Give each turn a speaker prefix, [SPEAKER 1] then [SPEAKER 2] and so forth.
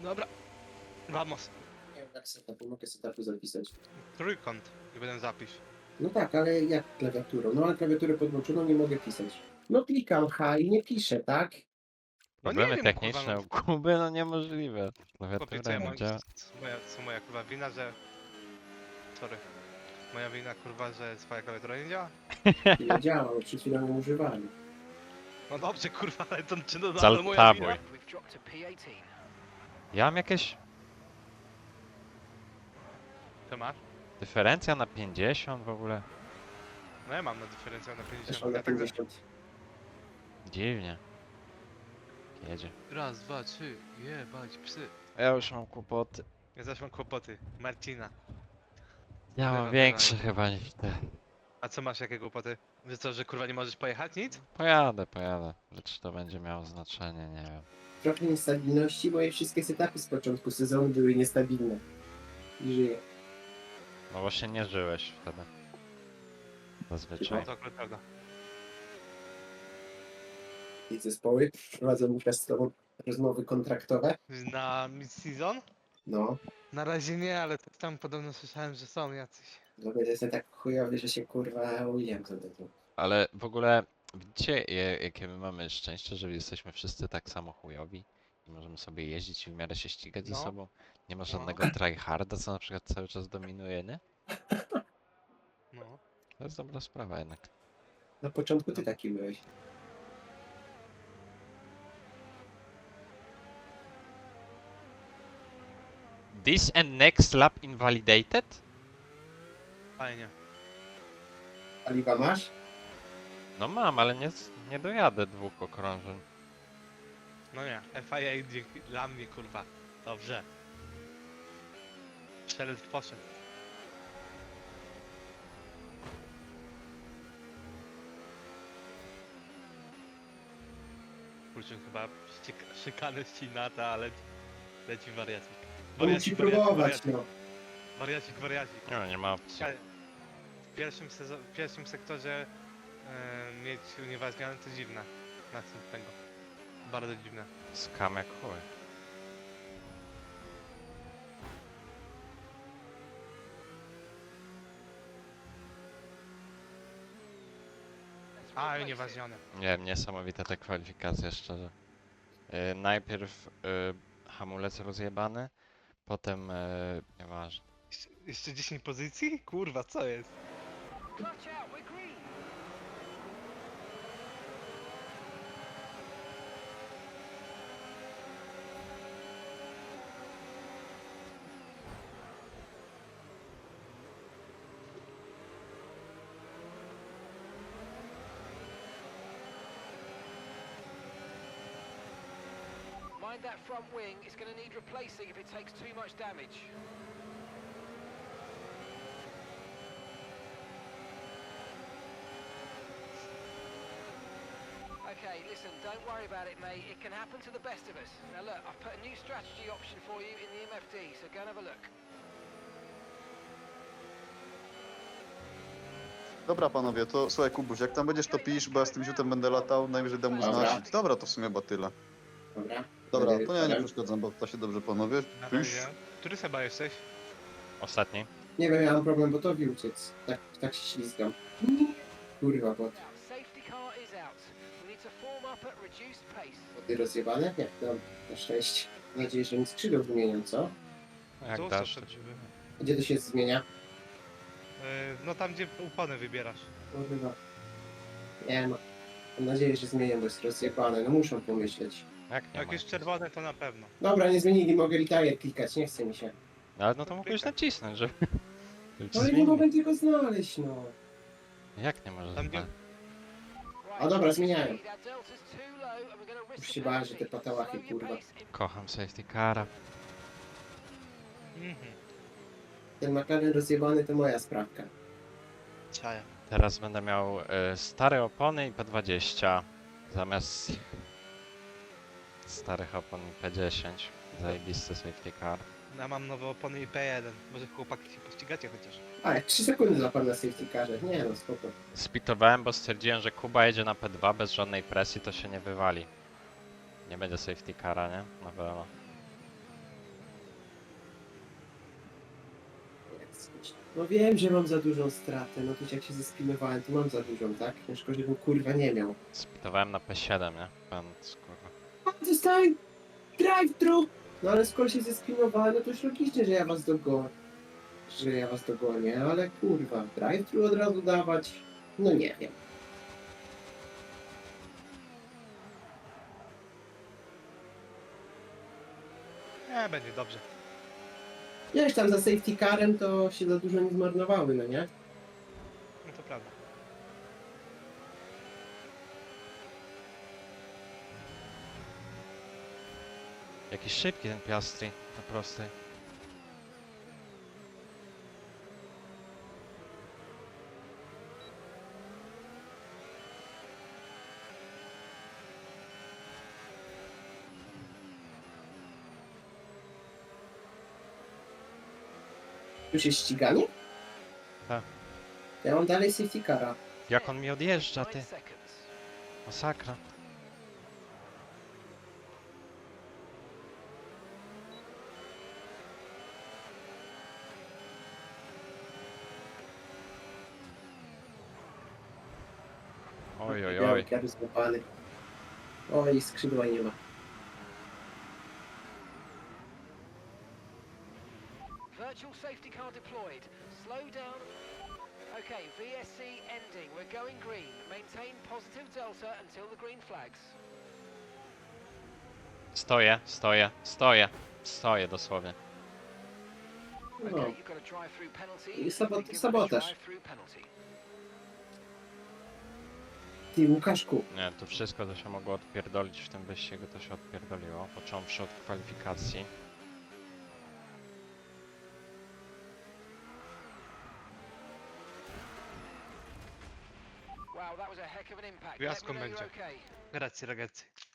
[SPEAKER 1] Dobra. Vamos.
[SPEAKER 2] Nie wiem jak setupu, mogę setupu zapisać.
[SPEAKER 1] Trójkąt. I będę zapisz.
[SPEAKER 2] No tak, ale jak klawiaturą? No ale klawiaturę podłączoną nie mogę pisać. No klikam H i nie piszę, tak?
[SPEAKER 1] No nie
[SPEAKER 3] Problemy
[SPEAKER 1] wiem,
[SPEAKER 3] techniczne
[SPEAKER 1] kurwa,
[SPEAKER 3] u Kuby, no niemożliwe.
[SPEAKER 1] Chłopie, co
[SPEAKER 3] Klawiatura
[SPEAKER 1] ja
[SPEAKER 3] nie
[SPEAKER 1] mam...
[SPEAKER 3] działa.
[SPEAKER 1] Co moja kurwa wina, że... Sorry. Moja wina kurwa, że twoja klawiatura nie działa?
[SPEAKER 2] Nie działa, bo przed chwilą ją używałem.
[SPEAKER 1] No dobrze kurwa, ale to czy to nadal
[SPEAKER 3] Zaltabuj.
[SPEAKER 1] moja wina?
[SPEAKER 4] We've dropped to P18.
[SPEAKER 3] Ja mam jakieś
[SPEAKER 1] To masz?
[SPEAKER 3] dyferencja na 50 w ogóle.
[SPEAKER 1] No ja mam na dyferencjał na 50.
[SPEAKER 2] Zresztą na
[SPEAKER 1] Ja tak
[SPEAKER 2] 50.
[SPEAKER 3] Dziwnie. Jedzie.
[SPEAKER 1] Raz, dwa, trzy, jebać psy.
[SPEAKER 3] Ja już mam kłopoty.
[SPEAKER 1] Ja zaś mam kłopoty. Marcina.
[SPEAKER 3] Ja
[SPEAKER 1] Dobra,
[SPEAKER 3] mam większe
[SPEAKER 1] dobra.
[SPEAKER 3] chyba niż te.
[SPEAKER 1] A co masz, jakie kłopoty? Że co, że kurwa nie możesz pojechać? Nic?
[SPEAKER 3] Pojadę. Lecz to będzie miało znaczenie, nie wiem.
[SPEAKER 2] Trochę niestabilności, moje wszystkie setupy z początku sezonu były niestabilne. I żyję.
[SPEAKER 3] No właśnie nie żyłeś wtedy. Zazwyczaj.
[SPEAKER 1] No to akurat prawda.
[SPEAKER 2] I zespoły prowadzą teraz z tobą rozmowy kontraktowe.
[SPEAKER 1] Na mid-season?
[SPEAKER 2] No.
[SPEAKER 1] Na razie nie, ale tam podobno słyszałem, że są jacyś.
[SPEAKER 2] No bo jestem tak chujowy, że się kurwa ujam za tego.
[SPEAKER 3] Ale w ogóle widzicie jakie my mamy szczęście, że jesteśmy wszyscy tak samo chujowi i możemy sobie jeździć i w miarę się ścigać ze
[SPEAKER 1] No.
[SPEAKER 3] sobą. Nie ma żadnego tryharda, co na przykład cały czas dominuje, nie?
[SPEAKER 1] No.
[SPEAKER 3] To jest dobra sprawa jednak.
[SPEAKER 2] Na początku ty taki byłeś.
[SPEAKER 3] This and next lap invalidated?
[SPEAKER 1] Fajnie.
[SPEAKER 2] Paliwa masz?
[SPEAKER 3] No mam, ale nie dojadę 2 okrążeń.
[SPEAKER 1] No nie, FIA dzięki dla mnie kurwa. Dobrze. Strzelec poszedł. Kurczę, chyba szykany ścinata, ale leci wariacik.
[SPEAKER 2] No musi próbować, no.
[SPEAKER 1] Wariacik.
[SPEAKER 3] Nie ma opcji.
[SPEAKER 1] Słuchaj, w pierwszym sektorze mieć unieważnione to dziwne. Następnego. Bardzo dziwne.
[SPEAKER 3] Skam jak chuj.
[SPEAKER 1] A, unieważnione.
[SPEAKER 3] Nie wiem, niesamowite te kwalifikacje, szczerze. Najpierw hamulec rozjebany, potem nieważne.
[SPEAKER 1] Jeszcze 10 pozycji? Kurwa, co jest?
[SPEAKER 4] Clutch out, we're green. Mind that front wing, it's going to need replacing if it takes too much damage. Okay, listen, don't worry about it, mate. It can happen to the best of us. Now look, I've put a new strategy option for you in the MFD, so go and have a look.
[SPEAKER 5] Dobra panowie, to słuchaj Kubuś, jak tam będziesz to pisz, bo ja z tym ziutem będę latał, najwyżej dam mu
[SPEAKER 2] Dobra.
[SPEAKER 5] znać. Dobra, to w sumie chyba tyle.
[SPEAKER 2] Dobra.
[SPEAKER 5] Dobra,
[SPEAKER 2] Będę
[SPEAKER 5] to ja nie
[SPEAKER 2] wieczorem.
[SPEAKER 5] przeszkadzam, bo to się dobrze panowie.
[SPEAKER 1] Na
[SPEAKER 5] Pisz.
[SPEAKER 1] razie. Który Seba jesteś?
[SPEAKER 3] Ostatni?
[SPEAKER 2] Nie wiem, ja mam problem botowi uciec. Tak się ślizgam. Kurwa, bot.
[SPEAKER 4] Safety car is out. We need to form up at reduced pace.
[SPEAKER 2] Boty rozjebane? Jak to? Na szczęście. Mam nadzieję, że mi skrzydeł wymienią, co?
[SPEAKER 3] Jak
[SPEAKER 1] Tu
[SPEAKER 3] dasz,
[SPEAKER 1] są
[SPEAKER 3] to
[SPEAKER 1] przed
[SPEAKER 3] ci...
[SPEAKER 1] drzwi.
[SPEAKER 2] Gdzie to się zmienia?
[SPEAKER 1] No tam, gdzie upony wybierasz.
[SPEAKER 2] Kurwa. Nie no. Mam nadzieję, że zmienią, bo jest rozjebane. No muszą pomyśleć.
[SPEAKER 3] Jak nie
[SPEAKER 1] Jak
[SPEAKER 3] ma?
[SPEAKER 1] jest czerwone, to na pewno.
[SPEAKER 2] Dobra, nie zmienili, mogę retire klikać, nie chce mi się.
[SPEAKER 3] No, ale no to mógłbyś nacisnąć, żeby... żeby ci
[SPEAKER 2] No ale nie
[SPEAKER 3] zmienił.
[SPEAKER 2] mogę tego znaleźć, no.
[SPEAKER 3] Jak nie możesz
[SPEAKER 1] Tam, gdzie-
[SPEAKER 3] znać?
[SPEAKER 2] A dobra, zmieniają.
[SPEAKER 4] Our delta's too low and we're going to risk
[SPEAKER 2] Już
[SPEAKER 4] a
[SPEAKER 2] się bałem, że te
[SPEAKER 4] penalty.
[SPEAKER 2] patałachy,
[SPEAKER 4] Slow your
[SPEAKER 2] kurwa.
[SPEAKER 4] pace.
[SPEAKER 3] Kocham safety cara.
[SPEAKER 1] Mhm.
[SPEAKER 2] Ten McLaren rozjebany to moja sprawka.
[SPEAKER 1] Czaja.
[SPEAKER 3] Teraz będę miał stare opony i P20 zamiast starych opon i P10. Zajebisty safety car.
[SPEAKER 1] Ja mam nowe opony i P1. Może chłopaki się pościgacie chociaż.
[SPEAKER 2] A, jak 3 sekundy zapal na safety carze. Nie no, spoko.
[SPEAKER 3] Spitowałem, bo stwierdziłem, że Kuba jedzie na P2 bez żadnej presji, to się nie wywali. Nie będzie safety cara, nie? Na pewno.
[SPEAKER 2] No wiem, że mam za dużą stratę, no to jak się zespinowałem, to mam za dużą, tak? Ciężko, żebym kurwa nie miał.
[SPEAKER 3] Spitowałem na P7, nie? Pan kurwa.
[SPEAKER 2] A, dostałem drive-thru! No ale skoro się zespinowałem, no to już logicznie, że ja was dogonię. Że ja was dogonię, ale kurwa, drive-thru od razu dawać? No nie wiem.
[SPEAKER 1] Nie, będzie dobrze.
[SPEAKER 2] Wiesz, tam za safety carem to się za dużo nie zmarnowały, no nie?
[SPEAKER 1] No to prawda.
[SPEAKER 3] Jakiś szybki ten Piastri, na prostej.
[SPEAKER 2] Już jest ściganie?
[SPEAKER 3] Tak.
[SPEAKER 2] Ja mam dalej safety cara.
[SPEAKER 3] Jak on mi odjeżdża,
[SPEAKER 4] 9
[SPEAKER 3] ty?
[SPEAKER 4] seconds.
[SPEAKER 3] Masakra. Oj, oj, oj.
[SPEAKER 2] Biały złapany. Oj, skrzydła nie ma.
[SPEAKER 4] Virtual safety car deployed. Slow down. Okay, VSC ending. We're going green. Maintain positive delta until the green flags.
[SPEAKER 3] Stoję, stoję, stoję. Stoję dosłownie.
[SPEAKER 2] No.
[SPEAKER 4] Okay, you've got a drive-through penalty.
[SPEAKER 2] I
[SPEAKER 4] We give it a
[SPEAKER 2] sabotaż.
[SPEAKER 4] drive-through penalty.
[SPEAKER 2] Ty, Łukaszku,
[SPEAKER 3] Nie, to wszystko, co się mogło odpierdolić w tym wyścigu, to się odpierdoliło. Począwszy od kwalifikacji.
[SPEAKER 4] Wow, that was a heck of an impact. Let
[SPEAKER 1] Gwiazdką
[SPEAKER 4] me know you're
[SPEAKER 1] będzie.
[SPEAKER 4] okay.
[SPEAKER 1] Grazie ragazzi.